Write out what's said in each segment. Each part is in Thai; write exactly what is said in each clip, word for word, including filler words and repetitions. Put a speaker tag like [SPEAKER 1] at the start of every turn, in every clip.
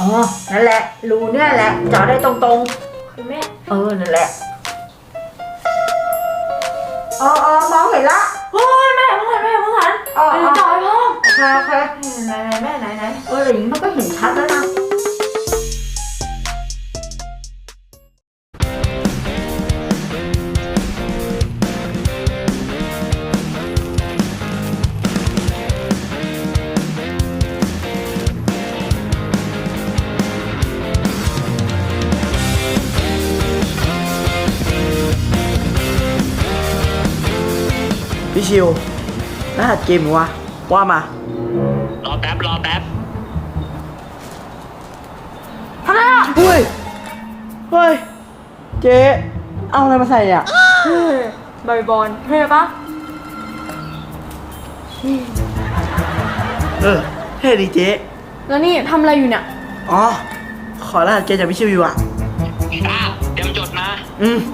[SPEAKER 1] อ๋อนั่นแหละรูเนี่ยแหละเจาะได้ตรงๆ
[SPEAKER 2] คือแม่
[SPEAKER 1] เออนั่นแหละอ๋ออ๋อมองเห็นละ
[SPEAKER 2] โอ้ยแม่เพิ่งหันแม่เพิ่งหัน
[SPEAKER 1] อ๋อ
[SPEAKER 2] ไปดูจอยพ่อ
[SPEAKER 1] โอเคโอเคไหนไหนแม่ไหนไหนเอออย่างนี้มันก็เห็นชัดแล้วนะ
[SPEAKER 3] พี่ชิวรหัสเกมวะว่ามา
[SPEAKER 4] รอแป๊บ รอแป๊บ
[SPEAKER 3] เฮ้ย เฮ้ย เจ๊ เอาอะไรมาใส่อ่ะ
[SPEAKER 2] เฮ้ยบอยบอลเท่ปะ
[SPEAKER 3] เออเท่ดีเจ๊
[SPEAKER 2] แล้วนี่ทำอะไรอยู่เนี่ย
[SPEAKER 3] อ๋อ ขอรหัสเกมจากพี่ชิวอยู่อ่ะ
[SPEAKER 4] อ่ะเตรียมจดนะ
[SPEAKER 3] อืม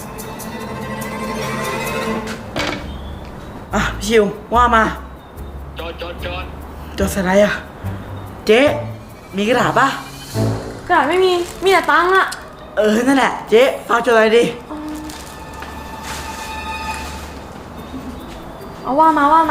[SPEAKER 3] อ่ะพี่ชิวว่ามา
[SPEAKER 4] จดจดจด
[SPEAKER 3] จดใส่อะไรอ่ะ เจ๊ มีกระดาษป่ะ
[SPEAKER 2] กระดาษไม่มีมีแต่ตังค์อะ
[SPEAKER 3] เออ นั่นแหละ เจ๊ฝากจดอะไรดิ
[SPEAKER 2] เอาว่ามาว่ามา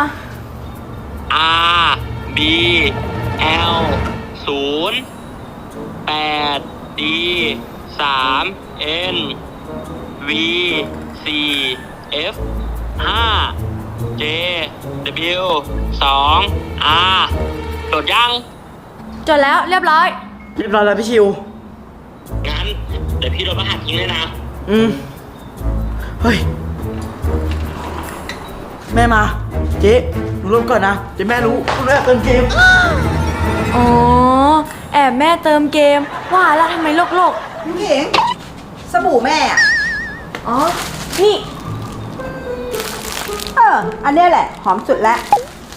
[SPEAKER 4] R B L ศูนย์แปด D สาม N V สี่ F ห้า J W สอง R จดยัง
[SPEAKER 2] จดแล้วเรียบร้อย
[SPEAKER 3] เรียบร้อยแล้วพี่ชิว
[SPEAKER 4] งั้น เดี๋ยวพี่โดนรหัสทิ้งเลยนะ
[SPEAKER 3] อืม เฮ้ย แม่มา เจ๊หนูรวมก่อนนะ เดี๋ยวแม่รู้แม่เติมเกม
[SPEAKER 2] อ๋อแอบแม่เติมเกมว่าแล้วทำไมโลกโลก
[SPEAKER 1] น้ำขิงสบู่แม่อ่ะ
[SPEAKER 2] อ๋อนี่
[SPEAKER 1] เอออันเนี้ยแหละหอมสุดแล้ว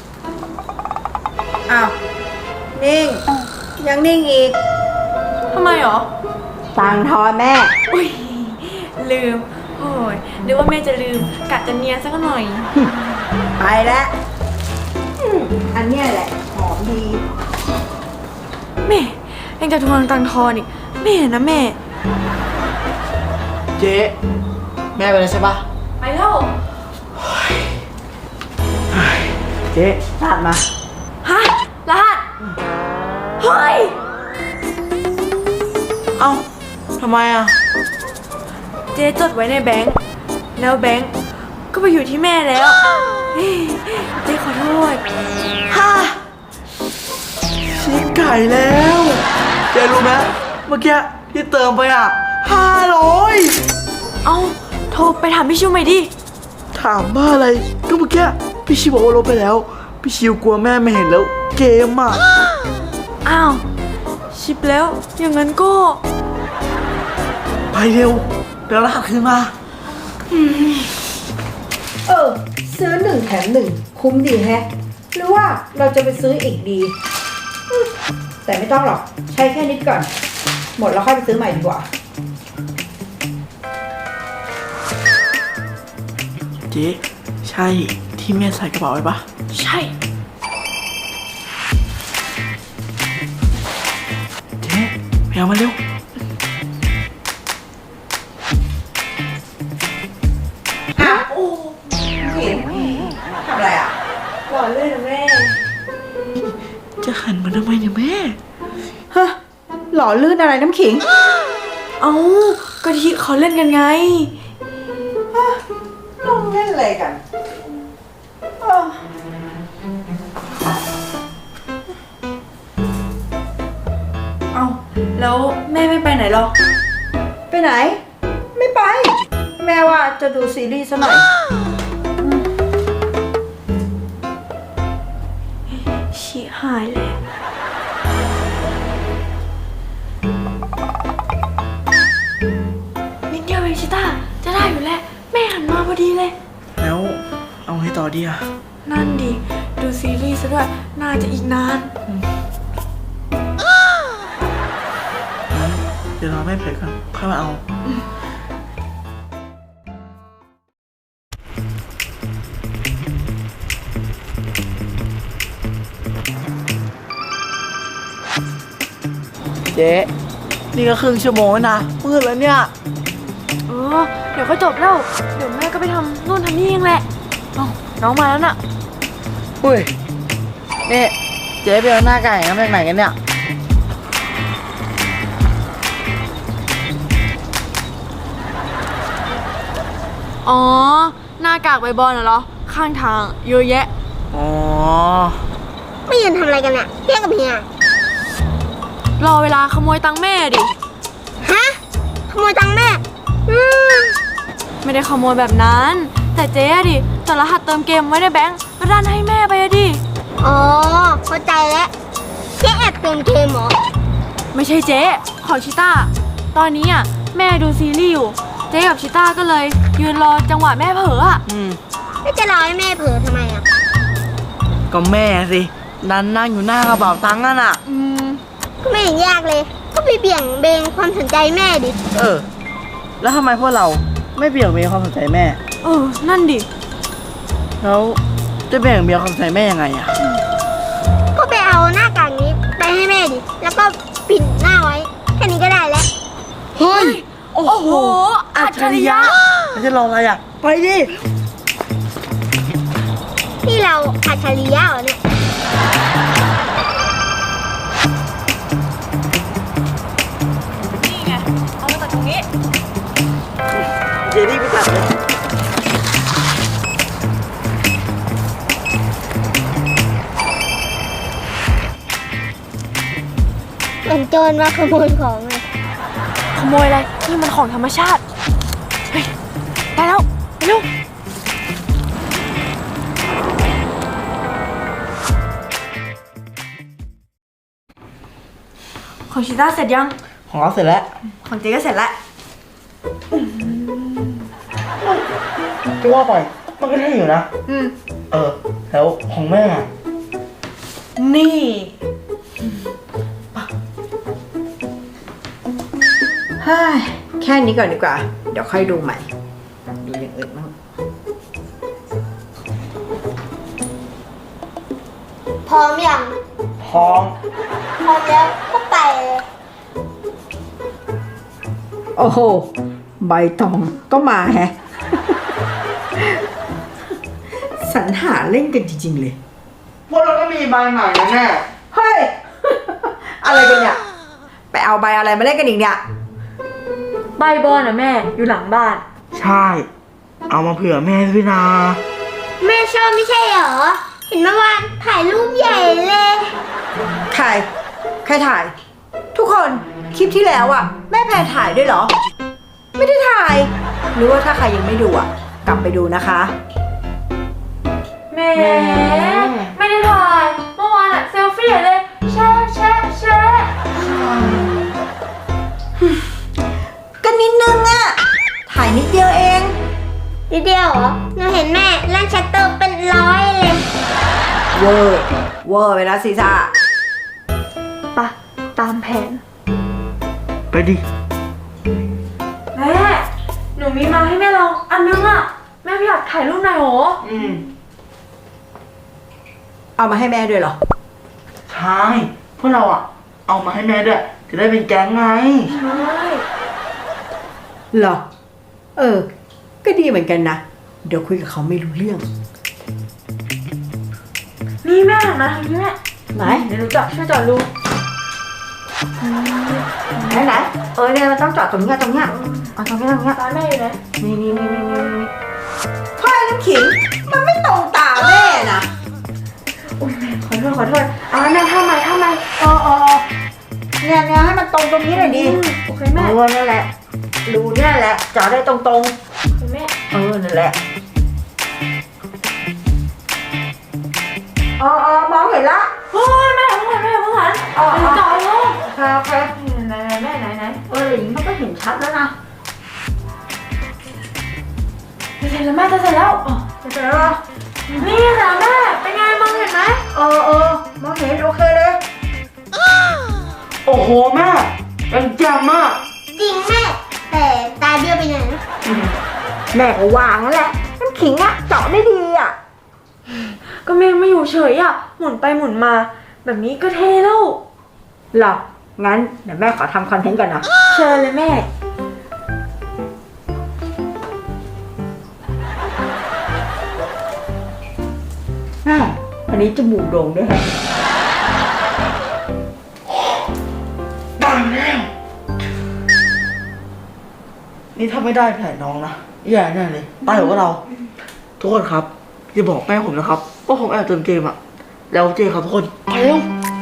[SPEAKER 1] อ้าวนิ่งยังนิ่งอีก
[SPEAKER 2] ทำไมหรอ
[SPEAKER 1] ตังทอนแม่
[SPEAKER 2] อุ้ยลืมโอ้ยหรือว่าแม่จะลืมกะจะเนียนสักหน่อย
[SPEAKER 1] ไปแล้วอืมอันเนี้ยแหละหอมดี
[SPEAKER 2] แม่ยังจะทวงตังค์ทอนอีกแม่นะแม่
[SPEAKER 3] เจ๊แม่ไปแล้วใช่ปะ
[SPEAKER 2] ไปแล้ว
[SPEAKER 3] เจ๊รหัสมา
[SPEAKER 2] ฮะรหัสเฮ้ย
[SPEAKER 3] เอ้าทำไมอ่ะ
[SPEAKER 2] เจ๊จดไว้ในแบงค์แล้วแบงค์ก็ไปอยู่ที่แม่แล้วเฮ้ยเจ๊ขอโทษ
[SPEAKER 3] ฮ่าชิบไก่แล้ว เจ๊รู้ไหมเมื่อกี้ที่เติมไปอ่ะห้าร้อย
[SPEAKER 2] เอาโทรไปถามพี่ชิวใหม่ดิ
[SPEAKER 3] ถามว่าอะไร ก็เมื่อกี้พี่ชิวบอกว่าลบไปแล้ว พี่ชิวกลัวแม่ไม่เห็นแล้ว เกมอ่ะ
[SPEAKER 2] อ้าวชิปแล้วอย่างนั้นก็
[SPEAKER 3] ไปเร็วเดี๋ยวรหัสคืนมา
[SPEAKER 1] เออซื้อหนึ่งแถมหนึ่งคุ้มดีแฮะ หรือว่าเราจะไปซื้ออีกดีอืมแต่ไม่ต้องหรอกใช้แค่นิดก่อน หมดแล้วค่อยไปซื้อใหม่ดีกว่า
[SPEAKER 3] เจ๊ใช่ที่แม่ใส่กระเป๋าไว้ปะ
[SPEAKER 2] ใช่
[SPEAKER 3] เจ๊ไปเอามาเร็ว
[SPEAKER 1] อ้าวโอ้เห็นทำอะไรอ่ะ
[SPEAKER 2] หล่อเลยนะแม่
[SPEAKER 3] จะหันมาทำไมเนี่ยแม่
[SPEAKER 1] ฮะ หล่อลื่นอะไรน้ำขิง
[SPEAKER 2] เอาก็ที่เขาเล่นกันไง
[SPEAKER 1] ลงเล่นอะไรกันเออ
[SPEAKER 2] เอาแล้วแม่ไม่ไปไหนหรอ
[SPEAKER 1] ไปไหน ไม่ไป แม่ว่าจะดูซีรีส์ซะหน่อย
[SPEAKER 2] ชิหายเลยนิดเดียวเองชิต้าจะได้อยู่แล้วแม่หันมาพอดีเลย
[SPEAKER 3] แล้วเอาให้ต่อดีอ่ะ
[SPEAKER 2] นั่นดิ ดูซีรีส์ซะด้วย น่าจะอีกนาน
[SPEAKER 3] เดี๋ยวเราไม่เผยกันค่อยมาเอาเจ๊นี่ก็ครึ่งชั่วโมงแล้วนะมืดแล้วเนี่ย
[SPEAKER 2] เออเดี๋ยวก็จบแล้ว เดี๋ยวแม่ก็ไปทำนู่นทำนี่เองแหละเอ้าน้องมาแล้วน่ะ
[SPEAKER 3] อุ้ยนี่เจ๊ไปเอาหน้าไก่มาจากไหนกันเนี่ย
[SPEAKER 2] อ๋อ หน้ากากใบบอลน่ะเหรอ ข้างทางเยอะแยะ
[SPEAKER 3] อ๋อ
[SPEAKER 5] ไม่ยืนทำอะไรกันเนี่ยเพี้ยงกับเฮีย
[SPEAKER 2] รอเวลาขโมยตังค์แม่ดิ
[SPEAKER 5] ฮะ ขโมยตังค์แม่ อืม
[SPEAKER 2] ไม่ได้ขโมยแบบนั้น แต่เจ๊อะดิจดรหัสเติมเกมไว้ในแบงก์แล้วดันให้แม่ไปอะดิ
[SPEAKER 5] อ๋อ เข้าใจแล้วเจ๊แอบเติมเกมเหรอ
[SPEAKER 2] ไม่ใช่เจ๊ของชิต้า ตอนนี้อ่ะแม่ดูซีรีส์อยู่ เจ๊กับชิต้าก็เลยยืนรอจังหวะแม่เผลออ่ะ
[SPEAKER 3] อืม
[SPEAKER 5] แล้วจะรอให้แม่เผลอทำไมอ่ะ
[SPEAKER 3] ก็แม่สินั่นนั่งอยู่หน้ากระเป๋าตังค์นั่นน่ะ
[SPEAKER 2] อืม
[SPEAKER 5] ก็ไม่เห็นยากเลย ก็ไปเบี่ยงเบนความสนใจแม่ดิ
[SPEAKER 3] เออ แล้วทำไมพวกเราไม่เบี่ยงเบนความสนใจแม่
[SPEAKER 2] เออ นั่นดิ
[SPEAKER 3] แล้วจะเบี่ยงเบนความสนใจแม่ยังไงอะ
[SPEAKER 5] ก็ไปเอาหน้ากากนี้ไปให้แม่ดิ แล้วก็ปิดหน้าไว้ แค่นี้ก็ได้แล้ว
[SPEAKER 3] เฮ้ย โอ้
[SPEAKER 2] โอ้โห อัจฉริยะ
[SPEAKER 3] แล้วจะรออะไรอะไปดิ
[SPEAKER 5] ที่เราอัจฉริยะเหรอเนี่ย
[SPEAKER 2] นี่ไง เอามาตัดตรงนี้
[SPEAKER 3] เจนี่ไปตัดเลย
[SPEAKER 5] เป็นโจรมาขโมยของเลย
[SPEAKER 2] ขโมยอะไร นี่มันของธรรมชาติ เฮ้ย ไปแล้ว ไปเร็ว ของชิต้าเสร็จยัง
[SPEAKER 3] ของเราเสร็จแล้ว
[SPEAKER 2] ของเจ๊ก็เสร็จแล้ว
[SPEAKER 3] จะว่าไปมันก็ได้อยู่นะ
[SPEAKER 2] อืม
[SPEAKER 3] เออ แล้วของแม่อะ
[SPEAKER 2] นี่
[SPEAKER 1] เฮ้ยแค่นี้ก่อนดีกว่า เดี๋ยวค่อยดูใหม่ ดูอย่างอื่นบ้าง
[SPEAKER 5] พร้อมยัง
[SPEAKER 3] พร้อม
[SPEAKER 5] พร้อมแล้วก็ไปเลย
[SPEAKER 1] โอ้โห ใบตองก็มาแฮะ สรรหาเล่นกันจริงๆเลย
[SPEAKER 3] พวกเราก็มีใบใหม่นะแม่
[SPEAKER 1] เฮ้ย อะไรกันเนี่ย ไปเอาใบอะไรมาเล่นกันอีกเนี่ย
[SPEAKER 2] ใบบอลนะแม่ อยู่หลังบ้าน
[SPEAKER 3] ใช่ เอามาเผื่อแม่ด้วยนะ
[SPEAKER 5] แม่ชอบไม่ใช่เหรอ เห็นเมื่อวานถ่ายรูปใหญ่เลย
[SPEAKER 1] ใคร ใครถ่าย ทุกคนคลิปที่แล้วอ่ะ แม่แพรถ่ายด้วยเหรอ ไม่ได้ถ่าย หรือว่าถ้าใครยังไม่ดูอ่ะ กลับไปดูนะคะ
[SPEAKER 2] แหม่ไม่ได้ถ่าย เมื่อวานอะเซลฟี่เลย แช่แช่แช่
[SPEAKER 1] ก็นิดนึงอ่ะ ถ่ายนิดเดียวเอง
[SPEAKER 5] นิดเดียวเหรอ หนูเห็นแม่ลั่นชัตเตอร์เป็นร้อยเลย
[SPEAKER 1] เวอร์ เวอร์ไปแล้วซีซ่า
[SPEAKER 2] ปะตามแผน
[SPEAKER 3] ไปดิ
[SPEAKER 2] แม่ หนูมีมาให้แม่ลองอันนึงอะแม่ไม่อยากถ่ายรูปหน่อยโห
[SPEAKER 3] อืม
[SPEAKER 1] เอามาให้แม่ด้วยเหรอ
[SPEAKER 3] ใช่พวกเราอ่ะ เอามาให้แม่ด้วย จะได้เป็นแก๊งไง
[SPEAKER 2] ใช่
[SPEAKER 1] เหรอ เออ ก็ดีเหมือนกันนะ เดี๋ยวคุยกับเขาไม่รู้เรื่อง
[SPEAKER 2] นี่แม่หันมาทางนี้แม่
[SPEAKER 1] ไหน
[SPEAKER 2] เดี๋ยวหนูจับช่วยจอดดู
[SPEAKER 1] ไหนไหนเออเนี่ยมันต้องจอดตรงเนี้ยตรงเนี้ยเอาตรงเนี้ยตรงเนี้ย
[SPEAKER 2] ตาแม่อยู่ไหน
[SPEAKER 1] นี่นี่นี่นี่นี่นี่พ่อน้ำขิง มันไม่ตรงตาแม่นะ
[SPEAKER 2] อุ้ยแม่ขอโทษขอโทษเอาแม่ทำไมทำไม
[SPEAKER 1] เออเออเนี่ยเนี่ยให้มันตรงตรงนี้หน่อยดิ
[SPEAKER 2] อืมโอเคแม่
[SPEAKER 1] เออนั่นแหละรูเนี่ยแหละจอดได้ตรงตรง
[SPEAKER 2] โอเคแม่
[SPEAKER 1] ๆเออนั่นแหละเออเออมองเห็นละ
[SPEAKER 2] โอ้ยแม่เพิ่งหันแม่เพิ่งหัน
[SPEAKER 1] อ๋อ
[SPEAKER 2] เดี๋ยวจอดลง
[SPEAKER 1] โอเคโอเค
[SPEAKER 2] ไหนไหนแม่ไหนไหน
[SPEAKER 1] เอออย่างนี้มันก็เห็นชัดแล้วนะ
[SPEAKER 2] จะเสร็จแล้วแม่จะเสร็จแล้วอ๋อ
[SPEAKER 1] เห็นแล้วเหรอ
[SPEAKER 2] นี่นะแม่เป็นไงมองเห็นไหม
[SPEAKER 1] เออเออมองเห็นโอเคเลย
[SPEAKER 3] โอ้โหแม่เป็นแจ่มมาก
[SPEAKER 5] จริงแม่ แต่ตาเบี้ยวไปไหนนะ
[SPEAKER 1] แม่ก็วางนั่นแหละน้ำขิงอะเจาะได้ดีอะ
[SPEAKER 2] ก็แม่ไม่อยู่เฉยอ่ะหมุนไปหมุนมา แบบนี้ก็เท่แล้ว
[SPEAKER 1] เหรองั้นเดี๋ยวแม่ขอทำคอนเทนต์ก่อนนะ
[SPEAKER 2] เชิญเลยแม่
[SPEAKER 1] แม่อันนี้จมูกโด่งด้วยฮะ
[SPEAKER 3] ได้แล้ว นี่ถ้าไม่ได้แผนน้องนะแย่แน่เลยตายกว่าเรา ทุกคนครับอย่าบอกแม่ผมนะครับว่าผมแอบเติมเกมอะแล้วเจครับทุกคนไปเร็ว